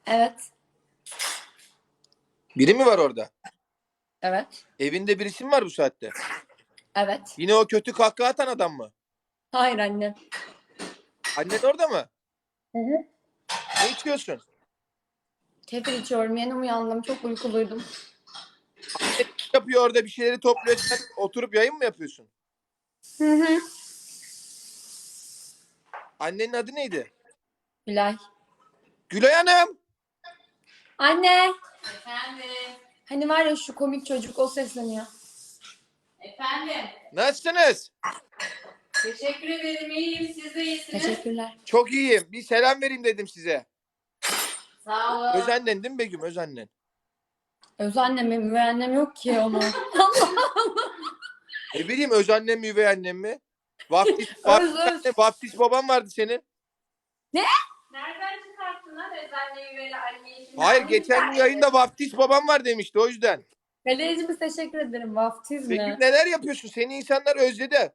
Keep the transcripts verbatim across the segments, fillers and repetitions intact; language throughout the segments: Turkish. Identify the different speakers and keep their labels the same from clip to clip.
Speaker 1: Evet.
Speaker 2: Biri mi var orada?
Speaker 1: Evet.
Speaker 2: Evinde birisi mi var bu saatte?
Speaker 1: Evet.
Speaker 2: Yine o kötü kahkaha atan adam mı?
Speaker 1: Hayır anne.
Speaker 2: Annen orada mı?
Speaker 1: Hı hı.
Speaker 2: Ne içiyorsun?
Speaker 1: Kefir içiyorum. Yeni uyandım. Çok uykuluydum.
Speaker 2: Annen yapıyor orada, bir şeyleri topluyor. Sen oturup yayın mı yapıyorsun?
Speaker 1: Hı hı.
Speaker 2: Annenin adı neydi?
Speaker 1: Gülay.
Speaker 2: Gülay Hanım.
Speaker 1: Anne.
Speaker 3: Efendim.
Speaker 1: Hani var ya şu komik çocuk, o sesleniyor.
Speaker 3: Efendim.
Speaker 2: Nasılsınız?
Speaker 3: Teşekkür ederim. İyiyim. Siz de iyisiniz.
Speaker 1: Teşekkürler.
Speaker 2: Çok iyiyim. Bir selam vereyim dedim size.
Speaker 3: Sağ olun.
Speaker 2: Özannen değil mi Begüm? Özannen.
Speaker 1: Öz annem, üvey annem yok ki onu.
Speaker 2: Ne bileyim, özannen mi üvey annem mi? Vaftiz,
Speaker 1: Öz
Speaker 2: vaftiz,
Speaker 1: öz.
Speaker 2: vaftiz baban vardı senin.
Speaker 3: Nereden çıkarttın lan özenle üveli anneyi?
Speaker 2: Hayır, geçen gün yayında vaftiz babam var demişti, o yüzden.
Speaker 1: Galericimiz teşekkür ederim. Vaftiz
Speaker 2: Begüm,
Speaker 1: mi?
Speaker 2: neler yapıyorsun? Seni insanlar özledi.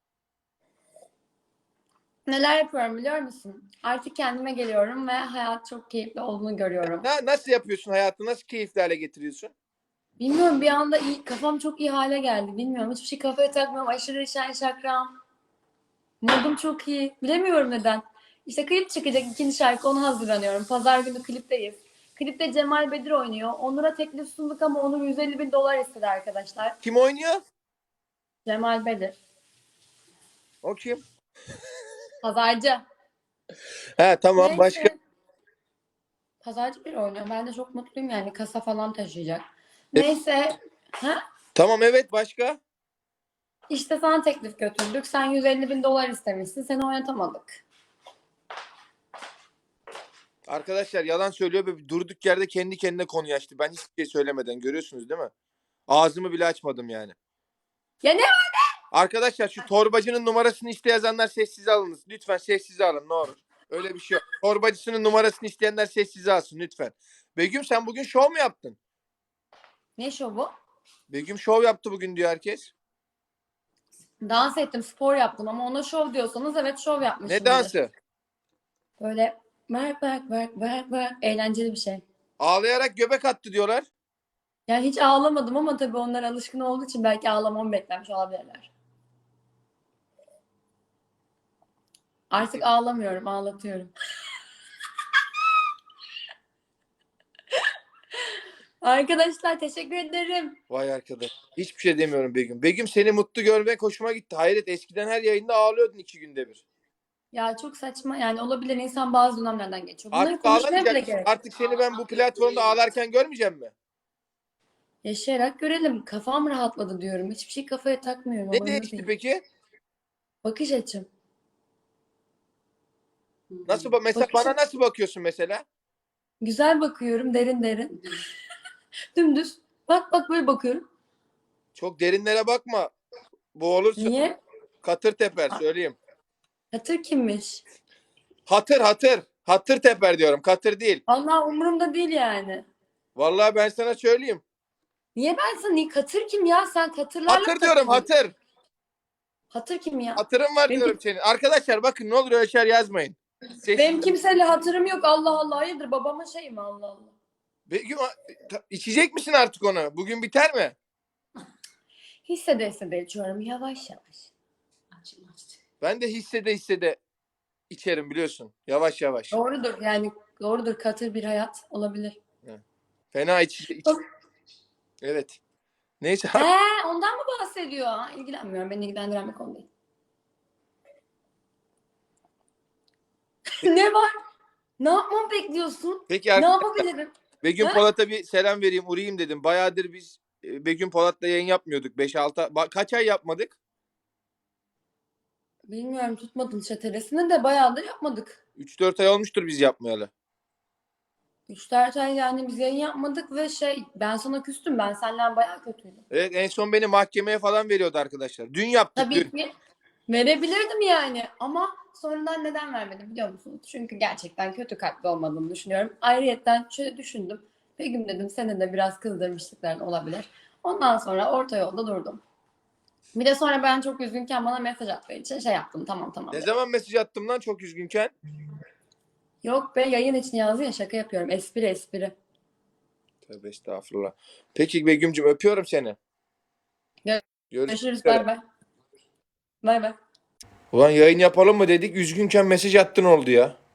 Speaker 1: Neler yapıyorum biliyor musun? Artık kendime geliyorum ve hayat çok keyifli olduğunu görüyorum.
Speaker 2: Na, nasıl yapıyorsun hayatı? Nasıl keyifli hale getiriyorsun?
Speaker 1: Bilmiyorum, bir anda iyi, kafam çok iyi hale geldi. Bilmiyorum, hiçbir şey kafaya takmıyorum. Aşırı şen şakram. Modum çok iyi. Bilemiyorum neden. İşte klip çıkacak, ikinci şarkı, ona hazırlanıyorum. Pazar günü klipteyiz. Klipte Cemal Bedir oynuyor. Onur'a teklif sunduk ama Onur yüz elli bin dolar istedi arkadaşlar.
Speaker 2: Kim oynuyor?
Speaker 1: Cemal Bedir.
Speaker 2: O kim?
Speaker 1: Pazarcı.
Speaker 2: He tamam,
Speaker 1: Neyse.
Speaker 2: başka?
Speaker 1: Pazarcı bir oynuyor. Ben de çok mutluyum yani. Kasa falan taşıyacak.
Speaker 2: E-
Speaker 1: Neyse. Ha?
Speaker 2: Tamam, evet, başka?
Speaker 1: İşte sana teklif götürdük. Sen yüz elli bin dolar istemişsin. Seni oynatamadık.
Speaker 2: Arkadaşlar yalan söylüyor ve durduk yerde kendi kendine konu açtı. Ben hiçbir şey söylemeden, görüyorsunuz değil mi? Ağzımı bile açmadım yani.
Speaker 1: Ya ne var be?
Speaker 2: Arkadaşlar şu torbacının numarasını iste yazanlar sessize alınız. Lütfen sessize alın ne olur. Öyle bir şey yok. Torbacısının numarasını isteyenler sessize alsın lütfen. Begüm, sen bugün şov mu yaptın?
Speaker 1: Ne şovu?
Speaker 2: Begüm şov yaptı bugün diyor herkes.
Speaker 1: Dans ettim, spor yaptım ama ona şov diyorsanız evet, şov yapmışımdır.
Speaker 2: Ne dansı?
Speaker 1: Böyle bak bak bak bak bak, eğlenceli bir şey.
Speaker 2: Ağlayarak göbek attı diyorlar.
Speaker 1: Yani hiç ağlamadım ama tabii onlar alışkın olduğu için belki ağlamamı beklemiş olabilirler. Artık ağlamıyorum, ağlatıyorum. Arkadaşlar teşekkür ederim.
Speaker 2: Vay arkadaş. Hiçbir şey demiyorum Begüm. Begüm, seni mutlu görmek hoşuma gitti. Hayret, eskiden her yayında ağlıyordun iki günde bir.
Speaker 1: Ya çok saçma yani, olabilir, insan bazı dönemlerden geçiyor. Bunları
Speaker 2: Artık
Speaker 1: konuşmaya bile
Speaker 2: ağlamayacak mısın?
Speaker 1: gerek yok.
Speaker 2: Artık seni ben bu platformda ağlarken görmeyeceğim mi?
Speaker 1: Yaşayarak görelim. Kafam rahatladı diyorum. Hiçbir şey kafaya takmıyorum.
Speaker 2: Ne
Speaker 1: Umurumda
Speaker 2: değişti
Speaker 1: değil.
Speaker 2: peki?
Speaker 1: Bakış açım.
Speaker 2: Nasıl ba- mesela
Speaker 1: Bakış
Speaker 2: bana nasıl bakıyorsun mesela?
Speaker 1: Güzel bakıyorum, derin derin. Dümdüz. Bak bak, böyle bakıyorum.
Speaker 2: Çok derinlere bakma. Boğulursun.
Speaker 1: Niye?
Speaker 2: Katır teper söyleyeyim.
Speaker 1: Hatır kimmiş?
Speaker 2: Hatır hatır. Hatır teper diyorum. Katır değil.
Speaker 1: Vallahi umurumda değil yani.
Speaker 2: Vallahi ben sana söyleyeyim.
Speaker 1: Niye ben sana niye katır kim ya? Sen katırlarla
Speaker 2: Hatır
Speaker 1: mı
Speaker 2: diyorum,
Speaker 1: takıldın?
Speaker 2: hatır.
Speaker 1: Hatır kim ya?
Speaker 2: Hatırım var
Speaker 1: Benim,
Speaker 2: diyorum senin. Arkadaşlar bakın, ne olur öyle şeyler yazmayın. Sessiz.
Speaker 1: benim kimseyle hatırım yok. Allah Allah. Hayırdır, babamın şeyi mi? Allah Allah.
Speaker 2: Begüm, ta- içecek misin artık onu? Bugün biter mi?
Speaker 1: Hissede hissede içiyorum. Yavaş yavaş.
Speaker 3: Açım açtı.
Speaker 2: Ben de hissede hissede içerim biliyorsun. Yavaş yavaş.
Speaker 1: Doğrudur yani. Doğrudur. Katır bir hayat olabilir.
Speaker 2: Fena iç, iç. Evet. Neyse.
Speaker 1: He, ondan mı bahsediyor? İlgilenmiyorum. Beni ilgilendiren bir konu değil. Ne var? Ne yapmamı bekliyorsun?
Speaker 2: Peki
Speaker 1: Ne
Speaker 2: arkadaşlar,
Speaker 1: yapabilirim?
Speaker 2: Begüm
Speaker 1: Ha?
Speaker 2: Polat'a bir selam vereyim, uğrayayım dedim. Bayağıdır biz e, Begüm Polat'la yayın yapmıyorduk. beş altı ba- kaç ay yapmadık?
Speaker 1: Bilmiyorum, tutmadın çetelesini de bayağıdır yapmadık.
Speaker 2: üç dört ay olmuştur biz yapmayalı.
Speaker 1: üç dört ay yani biz yayın yapmadık ve şey, ben sana küstüm. Ben senden bayağı kötüydüm.
Speaker 2: Evet, en son beni mahkemeye falan veriyordu arkadaşlar. Dün yaptık
Speaker 1: Tabii
Speaker 2: dün.
Speaker 1: ki verebilirdim yani ama sonradan neden vermedim biliyor musunuz? Çünkü gerçekten kötü kalpli olmadığımı düşünüyorum. Ayrıyetten şöyle düşündüm. Begüm dedim, seni de biraz kızdırmışlıkların olabilir. Ondan sonra orta yolda durdum. Bir de sonra ben çok üzgünken bana mesaj attığı için şey yaptım, tamam tamam
Speaker 2: Ne
Speaker 1: dedim.
Speaker 2: zaman mesaj attım lan çok üzgünken?
Speaker 1: Yok be, yayın için yazdın ya, şaka yapıyorum. Espri espri.
Speaker 2: Tövbe estağfurullah. Peki Begüm'cüm öpüyorum seni.
Speaker 1: Gö-
Speaker 2: Görüşmek
Speaker 1: Görüşürüz.
Speaker 2: üzere.
Speaker 1: Bay bay. Bay bay.
Speaker 2: Ulan yayın yapalım mı dedik. Üzgünken mesaj attın oldu ya.